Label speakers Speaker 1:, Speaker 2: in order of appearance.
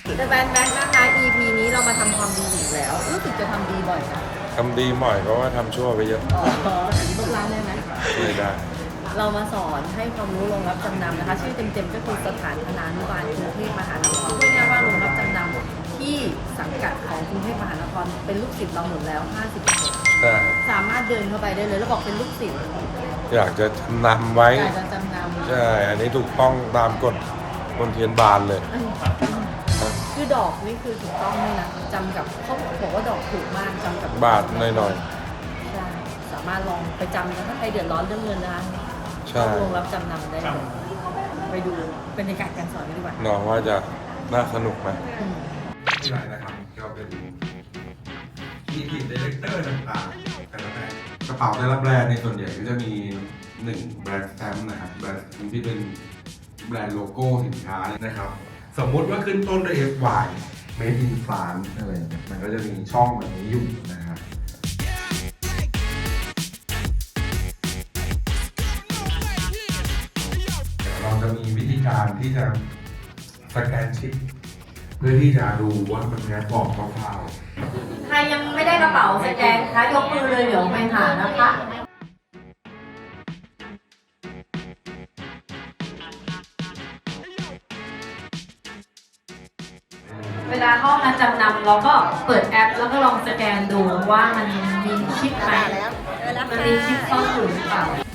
Speaker 1: แต่แบนแบนนะคะ EP นี้เรามาทำความดีอีกแล้ว รู้สึกจะทำดีบ่อยนะ
Speaker 2: ทำดีบ่อยเพราะว่าทำชั่วไปเยอะ
Speaker 1: อ๋อลูกร้านได้ไหม
Speaker 2: ไม่ได้
Speaker 1: เรามาสอนให้ความรู้โรงรับจำนำนะคะ ชื่อเต็มๆก็คือสถานธนานุบาลกรุงเทพมหานครพูดง่ายๆว่าโรงรับจำนำที่สังกัดของกรุงเทพมหานครเป็นลูกศิษย์เราหมดแล้ว 50%
Speaker 2: ใช่
Speaker 1: สามารถเดินเข้าไปได้เลยแล้วบอกเป็นลูกศิษย์
Speaker 2: อยากจะนำไว้
Speaker 1: อยากจะจำนำ
Speaker 2: ใช่ อันนี้ถูกต้องตามกฎมณฑลบาลเลย
Speaker 1: คือดอกนี่คือถูกต้องเลยนะจำกับเขาบอกว่าดอกถูกมากจำกับบ
Speaker 2: าทหน่อย
Speaker 1: ใช่สามารถลองไปจำนะถ้าใครเดือดร้อนเรื่องเงินนะคะ
Speaker 2: ใช่
Speaker 1: เข้าโรงรับจำนำได้เลยไปดูบรรยากาศการสอนกันดีกว่า
Speaker 2: น้องว่าจะน่าสนุกไหม
Speaker 1: อืม
Speaker 2: ที่ไรนะครับก็เป็นมีทีมดีเลกเตอร์ต่างๆแต่ละแบรนด์กระเป๋าแต่ละแบรนด์ในส่วนใหญ่ก็จะมี1แบรนด์สแตมป์นะครับแบรนด์ที่เป็นแบรนด์โลโก้สินค้านะครับ สมมุติว่าขึ้นต้นด้วย FY Made in France อะไรอย่างเงี้ยมันก็จะมีช่องแบบนี้อยู่นะครับเราจะมีวิธีการที่จะสแกนชิปเพื่อที่จะดูว่ามันแค่บอกคร่าวๆ
Speaker 1: ใครยังไม่ได้กระเป๋าสแกนคะยกมือเลยเดี๋ยวไปหานะคะ เวลาเข้ามาจำนำเราก็เปิดแอปแล้วก็ลองสแกนดูว่ามันมีชิปไหมมันมีชิปซ่อนอยู่หรือเปล่า